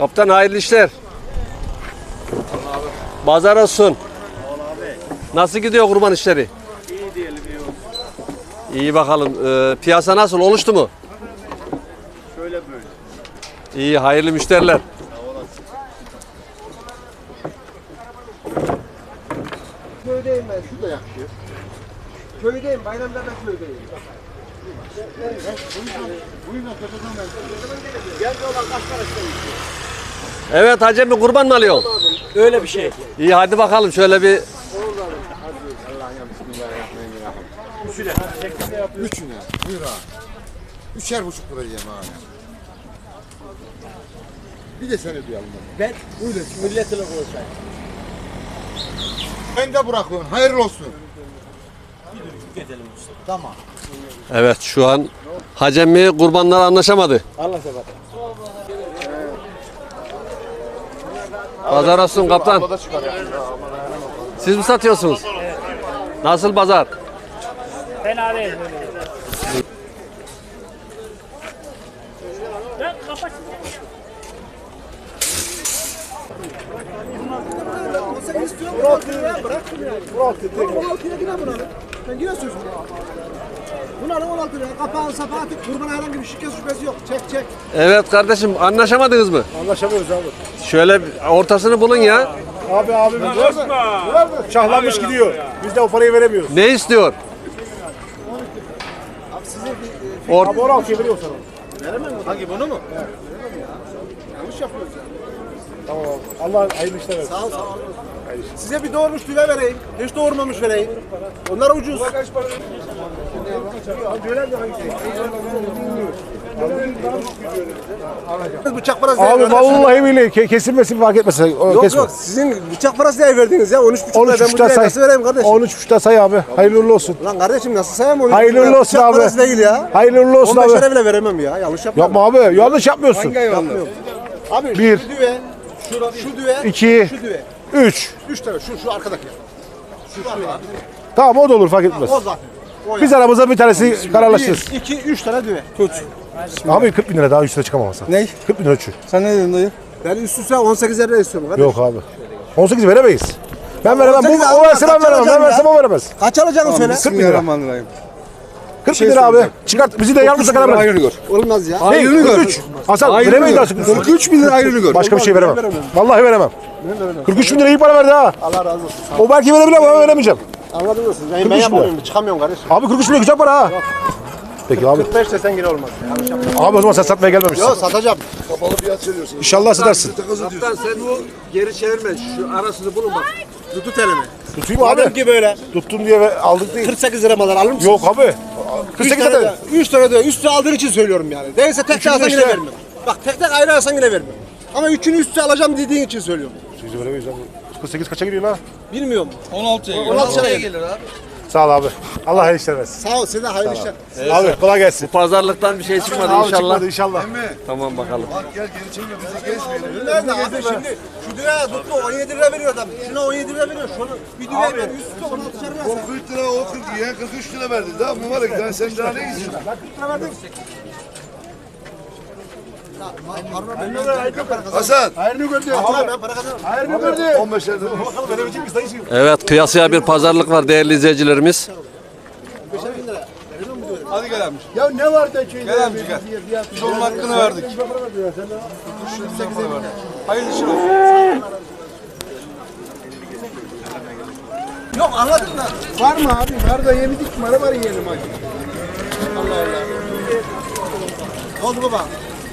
Kaptan hayırlı işler. Pazar olsun. Nasıl gidiyor kurban işleri? İyi diyelim, iyi olsun. İyi bakalım. Piyasa nasıl? Oluştu mu? Şöyle böyle. İyi, hayırlı müşteriler. Köydeyim ben, şu da yakışıyor. Köydeyim, bayramlarda köydeyim. Evet Hacı emmi, kurban mı alıyorsun? Öyle bir şey. İyi, hadi bakalım şöyle bir. Üçüne. Buyur abi. 3,5 lira yiyeyim abi. Bir de seni duyalım. Ben milletle konuşayım. Ben de bırakıyorum. Hayırlı olsun. Gidelim usta. Tamam. Evet, şu an Hacı emmi kurbanlar anlaşamadı. Allah sever. Pazar olsun kaptan. Siz mi satıyorsunuz? Nasıl pazar? Fena değil. Ben kapat. Ben yine sözüm. Bunların 16 lira. Kapağın sapağın kurban herhangi bir şüphesi yok. Çek. Evet kardeşim, anlaşamadınız mı? Anlaşamıyoruz abi. Şöyle ortasını bulun ya. Abi şahlanmış gidiyor. Biz de o parayı veremiyoruz. Ne istiyor? Abi 16'ya veriyor sana. Veremem mi? Hangi bunu mu? Yanlış yapıyoruz yani. Tamam abi. Allah hayırlı işler versin. Sağ ol. Size bir doğurmuş düve vereyim. Hiç doğurmamış vereyim. Onlar ucuz. Bıçak parası diye Abi verdim. vallahi billahi kesilmesin fark etmesin. Yok sizin bıçak parası diye verdiniz ya 13,5 lira ben bu 13,5'ta düveyi say. nasıl vereyim kardeşim? 13,5'ta say abi. Hayırlı uğurlu olsun. Lan kardeşim nasıl sayayım onu? Hayırlı uğurlu olsun Bıçak abi. parası değil ya. Hayırlı uğurlu olsun 15 abi. lira bile veremem ya yanlış yapmıyorum. Yapma abi. Yanlış yapmıyorsun. Yapmıyorum. Abi Bir. şu düve, şu düve, İki. şu düve. 3. 3 tane şu arkadaki. Şu var ya. Tamam o da olur fark etmez. O zaten. O Biz aramızda bir tanesi kararlaşırız. 1, 2, 3 tane düve. Tut. Abi 40 bin lira daha üstüne çıkamazsın. Ne? 40 bin lira şu. Sen ne dedin dayı? Ben üst üste 18 lira istiyorum kardeşim. Yok abi. 18 veremeyiz. Ben veremem. 18 Bu, abi, o verse ben kaç veremem. Ben alacağım versem ya? o veremez. Kaç alacağını söyle. 40 bin lira. 40 bin lira abi. Çıkart bizi de yarımıza kadar bırak. Olmaz ya. Ne? 43. Hasan veremeyiz artık. 43 bin lira ayrını gör. Başka bir şey veremem. Vallahi veremem. 43 bin lira iyi para verdi ha. Allah razı olsun. O belki verebilir ama ben veremeyeceğim. Anladın mı siz? Ben 43 yapamıyorum. Çıkamıyorum kardeşim. Abi 43 bin lira güzel para ha. Peki abi. 45 desen yine olmaz. Yanlış yapma. Abi o zaman sen satmaya gelmemişsin. Yok satacağım. İnşallah satarsın. Kaptan sen bu geri çevirme. Şu arasını bulun bak. Tutut elimi. Tutayım abi. Madem ki böyle. Tuttum diye aldık değil. 48 lira malar alır mısın? Yok abi. 48 lira. 3 tane de üstü aldığın için söylüyorum yani. Değilse tek Üçünü alsan işte. yine vermem. Bak tek ayrı alsan yine vermem. Ama üçünü üstü alacağım dediğin için söylüyorum. Siz veremeyiz abi. 48 kaça giriyor lan? Bilmiyorum. 16'ya gelir abi. Sağ ol abi. Allah hayırlı işler versin. Sağ ol size hayırlı işler. Abi kolay gelsin. Pazarlıktan bir şey çıkmadı Abi inşallah. çıkmadı inşallah. Tamam bakalım. Nerede abi şimdi? Şu düğe tuttu 17 lira veriyor adam. Şuna 17 lira veriyor. Şunu bir düğe ver. Üstü 16 lira ver. 40 lira o 40 ya 43 lira verdin daha mübarek daha sen daha ne istiyorsun? Ben 40 lira verdim. Hasan Hayırını gördü. Abi ben para kazanırım. Hayırını gördü. 15 lira. Evet, kıyasıya bir pazarlık var değerli izleyicilerimiz. Hadi gel amca. Ya ne var da köyde? Gel amca gel. Biz onun hakkını verdik. Hayırlı işler olsun. Yok anladın mı? Var mı abi? Var da yemedik mi? Var yiyelim hadi. Allah Allah. Ne oldu baba?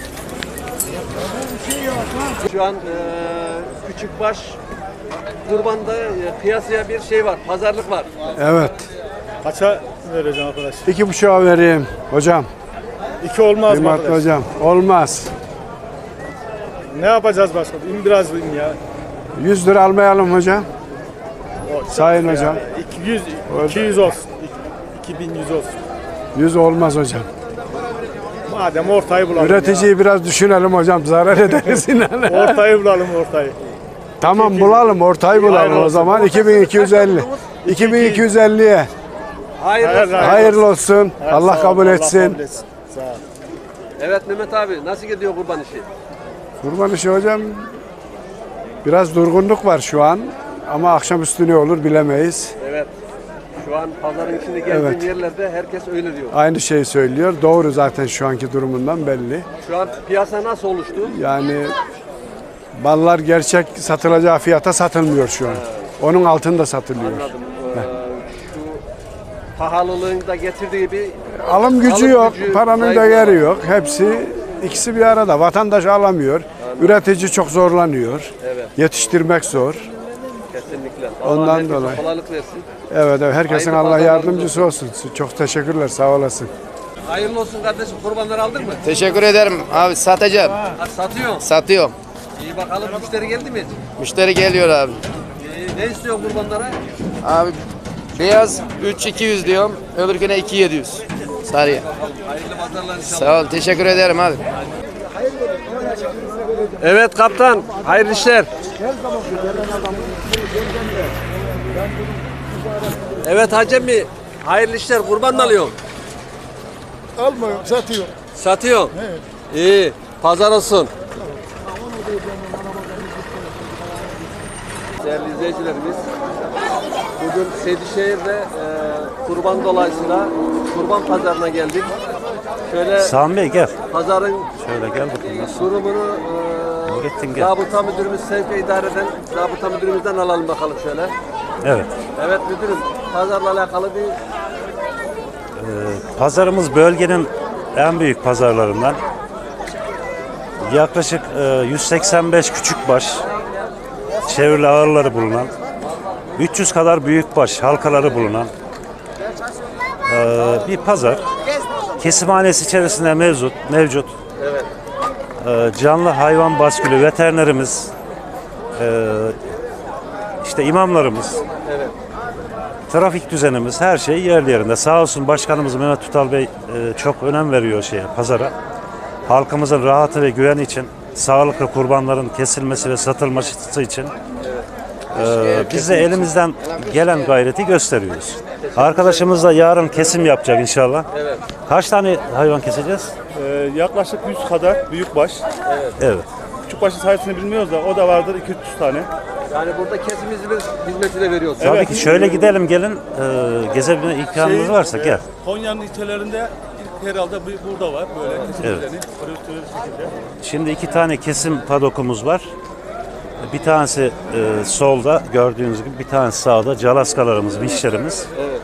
Şu an Küçükbaş kurbanda kıyasıya bir şey var, pazarlık var. Evet. Kaça vereceğim arkadaş? 2,5'a vereyim hocam. 2 olmaz mı Kıymetli arkadaş? hocam. Olmaz. Ne yapacağız başka? İn biraz in ya. 100 lira almayalım hocam. Sayın hocam. 200 olsun. 2100 olsun. 100 olmaz hocam. Madem ortayı bulalım Üreticiyi biraz düşünelim hocam. Zarar ederiz inan. ya. Ortayı bulalım ortayı. Tamam bulalım. Ortayı bulalım Hayırlı o olsun. zaman. 2250. 2250'ye. Hayırlı. Hayırlı olsun. Evet, Allah sağ ol, kabul etsin. Sağ ol. Evet Mehmet abi, nasıl gidiyor kurban işi? Kurban işi hocam biraz durgunluk var şu an ama akşamüstü ne olur bilemeyiz. Evet. Şu an pazarın içinde geldiğim Evet. yerlerde herkes öyle diyor. Aynı şeyi söylüyor. Doğru zaten şu anki durumundan belli. Şu an piyasa nasıl oluştu? Yani ballar gerçek satılacağı fiyata satılmıyor şu an. Onun altında satılıyor. Anladım. Şu pahalılığın da getirdiği bir Alım gücü Alım yok, gücü paranın da zayıf. yeri yok. İkisi bir arada. Vatandaş alamıyor. Üretici çok zorlanıyor. Evet. Yetiştirmek zor. kesinlikle. Ondan Allah herkese dolayı. kolaylık versin. Evet, herkesin Hayırlı Allah pazarlarınız yardımcısı olsun. Çok teşekkürler, sağ olasın. Hayırlı olsun kardeşim. Kurbanları aldın mı? Teşekkür ederim abi, satacağım. Satıyor. Satıyorum. İyi bakalım müşteri geldi mi? Müşteri geliyor abi. Ne istiyor kurbanlara? Abi beyaz 3200 diyorum. Öbürküne 2700. Sarıya. Hayırlı pazarlar inşallah. Sağ ol. Teşekkür ederim abi. Evet kaptan. Hayırlı işler. Evet Hacemi. Hayırlı işler. Kurban mı alıyorsun? Almıyorum, satıyorum. Satıyorsun. İyi. Pazar olsun. Değerli izleyicilerimiz, bugün Sedişehir'de kurban dolayısıyla kurban pazarına geldik. Şöyle Sami Bey gel. pazarın Şöyle gel bakayım. durumunu Nurettin gel. zabıta müdürümüz, sevk ve idare eden zabıta müdürümüzden alalım bakalım şöyle. Evet. Evet müdürüm, pazarla alakalı bir Pazarımız bölgenin en büyük pazarlarından. Yaklaşık 185 küçükbaş, çevrili ağırları bulunan, 300 kadar büyükbaş halkaları bulunan bir pazar. Kesimhanesi içerisinde mevcut. evet. Canlı hayvan baskülü veterinerimiz, işte imamlarımız, Evet. trafik düzenimiz, her şey yerli yerinde. Sağ olsun başkanımız Mehmet Tutal Bey çok önem veriyor pazara. Halkımızın rahatı ve güveni için, sağlıklı kurbanların kesilmesi ve satılması için biz de elimizden gelen gayreti gösteriyoruz. Arkadaşımız da yarın kesim yapacak inşallah. Evet. Kaç tane hayvan keseceğiz? Yaklaşık 100 kadar büyükbaş. Evet. Küçükbaşın sayısını bilmiyoruz da o da vardır 200 tane. Yani burada kesim hizmeti de veriyorsun. Tabii ki şöyle gidelim gelin. Gezebilme imkanınız varsa gel. Konya'nın ilçelerinde ilk herhalde burada var böyle kesim Evet. düzeni. Profesyonel bir şekilde. Şimdi 2 tane kesim padokumuz var. Bir tanesi solda gördüğünüz gibi, bir tanesi sağda. Calaskalarımız, vişlerimiz. Evet.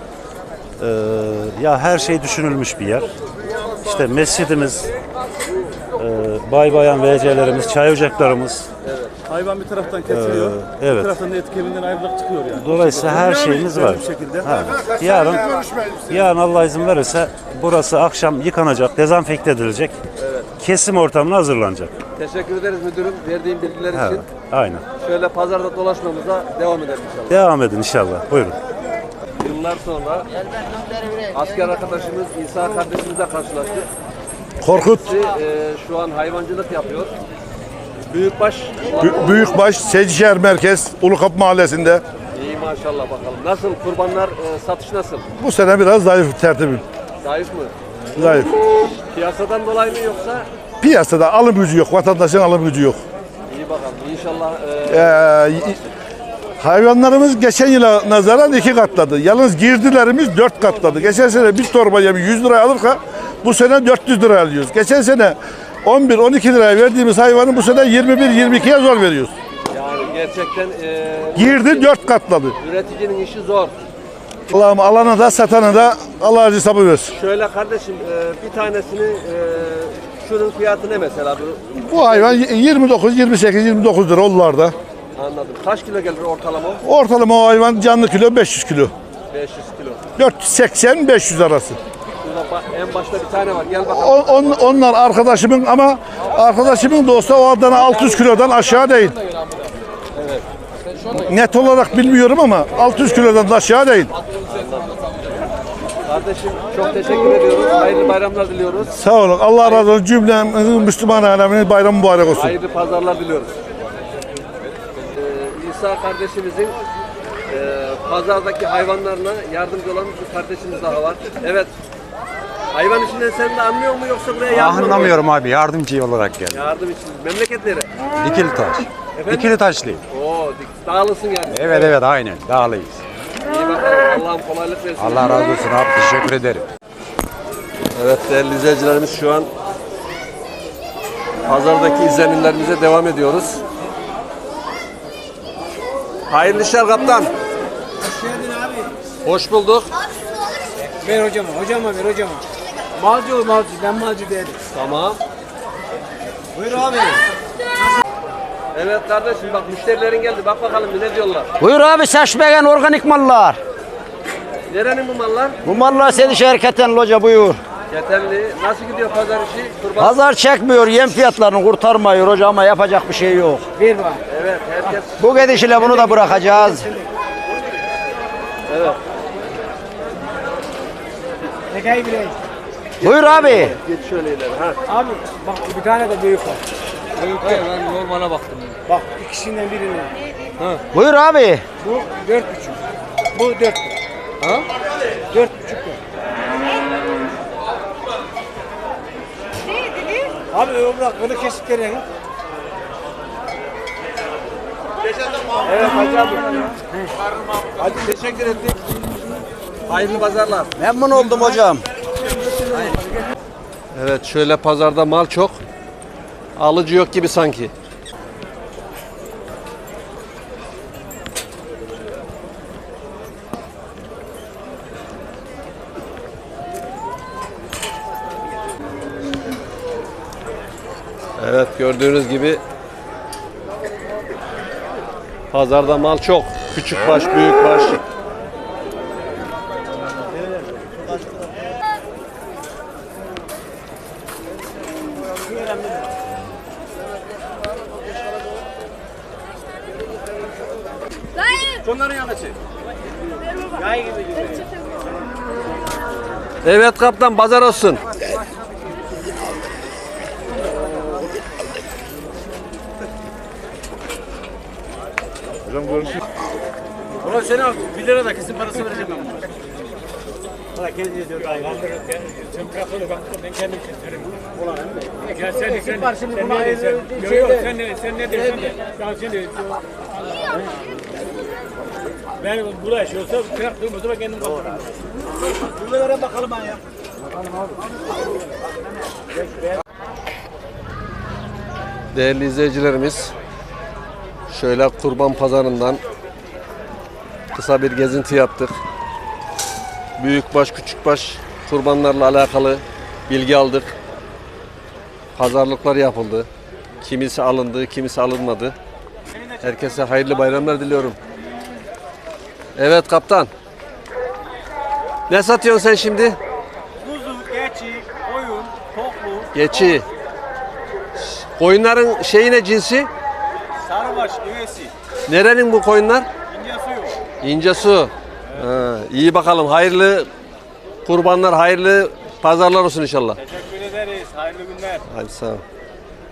Ya her şey düşünülmüş bir yer. İşte mescidimiz, bay bayan VC'lerimiz, çay ocaklarımız. Hayvan bir taraftan kesiliyor. evet. Bir taraftan da et kemiğinden ayrılık çıkıyor yani. Dolayısıyla her şeyimiz var. Bir şekilde. Ha. Yarın Allah izin verirse burası akşam yıkanacak, dezenfekte edilecek. Kesim ortamına hazırlanacak. Teşekkür ederiz müdürüm verdiğin bilgiler için. Evet, aynen. Şöyle pazarda dolaşmamıza devam edelim inşallah. Devam edin inşallah. Buyurun. Yıllar sonra asker arkadaşımız İsa kardeşimizle karşılaştık. Korkut. Şu an hayvancılık yapıyor. Büyükbaş Büyükbaş Sedişehir Merkez Ulukapı Mahallesi'nde. iyi maşallah bakalım. Nasıl kurbanlar satış nasıl? Bu sene biraz zayıf tertibim. Zayıf mı? Zayıf. Piyasadan dolayı mı yoksa? Piyasada alım gücü yok. Vatandaşın alım gücü yok. İyi bakalım. İnşallah Hayvanlarımız geçen yıla nazaran 2 katladı. Yalnız girdilerimiz 4 katladı. Geçen sene bir torba yemi 100 liraya alırken bu sene 400 liraya alıyoruz. Geçen sene 11-12 liraya verdiğimiz hayvanı bu sene 21-22'ye zor veriyoruz. yani gerçekten Girdi 4 katladı. üreticinin işi zor. Allah'ım alana da satana da Allah acı sabır versin. Şöyle kardeşim bir tanesini şunun fiyatı ne mesela? Bu hayvan 29, 28, 29 lira onlarda. Anladım. Kaç kilo gelir ortalama? Ortalama o hayvan canlı kilo 500 kilo. 500 kilo. 480-500 arası. Şurada en başta bir tane var. Gel bakalım. Onlar arkadaşımın ama arkadaşımın da olsa o Adana 600 kilodan aşağı değil. Net olarak bilmiyorum ama 600 kilodan da aşağı değil. Kardeşim çok teşekkür ediyoruz. Hayırlı bayramlar diliyoruz. Sağ olun. Allah razı olsun. Cümlemizin Müslüman aleminin bayramı mübarek olsun. Hayırlı pazarlar diliyoruz. İsa kardeşimizin pazardaki hayvanlarına yardımcı olan bir kardeşimiz daha var. Evet. Hayvan işinden sen de anlıyor mu yoksa buraya yardım mı? Anlamıyorum abi. Yardımcı olarak geldim. Yardım için. Memleketleri. Dikili taş. Dikili taşlıyım. Oo, dağılısın yani. Evet aynen. Dağlıyız. İyi bakalım. Allah'ım kolaylık versin. Allah razı olsun abi. Teşekkür ederim. Evet değerli izleyicilerimiz şu an pazardaki izlenimlerimize devam ediyoruz. Hayırlı işler kaptan. Hoş geldin abi. Hoş bulduk. Ver hocama ver hocama. Malcı ben malcı değilim. Tamam. Buyur abi. Evet kardeşim bak müşterilerin geldi. Bak bakalım ne diyorlar. Buyur abi seçmeyen organik mallar. Nerenin bu mallar? Bu mallar seni şirketten loca buyur. Yeterli. Nasıl gidiyor pazar işi? Kurban. Pazar çekmiyor, yem fiyatlarını kurtarmıyor hoca ama yapacak bir şey yok. Ver bak. Evet herkes. Bu gidişle bunu da bırakacağız. Evet. Nekayı bileyim. Buyur abi. Geç şöyle ileri. Ha. Abi bak bir tane de büyük var. Evet, ben normale baktım. Bak ikisinden birini. Buyur abi. Bu 4,5. Bu 4,5. Ha? 4,5. Abi bırak böyle kesikleri. Evet Hacı abi. Hadi teşekkür ettik. Hayırlı pazarlar. Memnun oldum hocam. Evet şöyle pazarda mal çok. Alıcı yok gibi sanki. Evet gördüğünüz gibi pazarda mal çok. Küçük baş, büyük baş. Evet kaptan pazar olsun. Ulan seni 1 lira da kesin parası vereceğim ben buna. Ulan kendi diyor. Sen bırak onu bak ben kendim keserim. Ulan ya sen ne diyorsun de. Ya sen de. Ben burada yaşıyorsam bıraktığım o zaman kendim kalırım. Bunu veren bakalım ben ya. Değerli izleyicilerimiz, şöyle kurban pazarından kısa bir gezinti yaptık. Büyükbaş, küçükbaş kurbanlarla alakalı bilgi aldık. Pazarlıklar yapıldı. Kimisi alındı, kimisi alınmadı. Herkese hayırlı bayramlar diliyorum. Evet kaptan. Ne satıyorsun sen şimdi? Kuzu, keçi, koyun, toklu, Geçi. Koyunların şeyi ne cinsi? sarıbaş, üvesi, Nerenin bu koyunlar? ince suyu. İncesu. Ha, iyi bakalım. Hayırlı kurbanlar, hayırlı pazarlar olsun inşallah. Teşekkür ederiz. Hayırlı günler. Hadi sağ ol.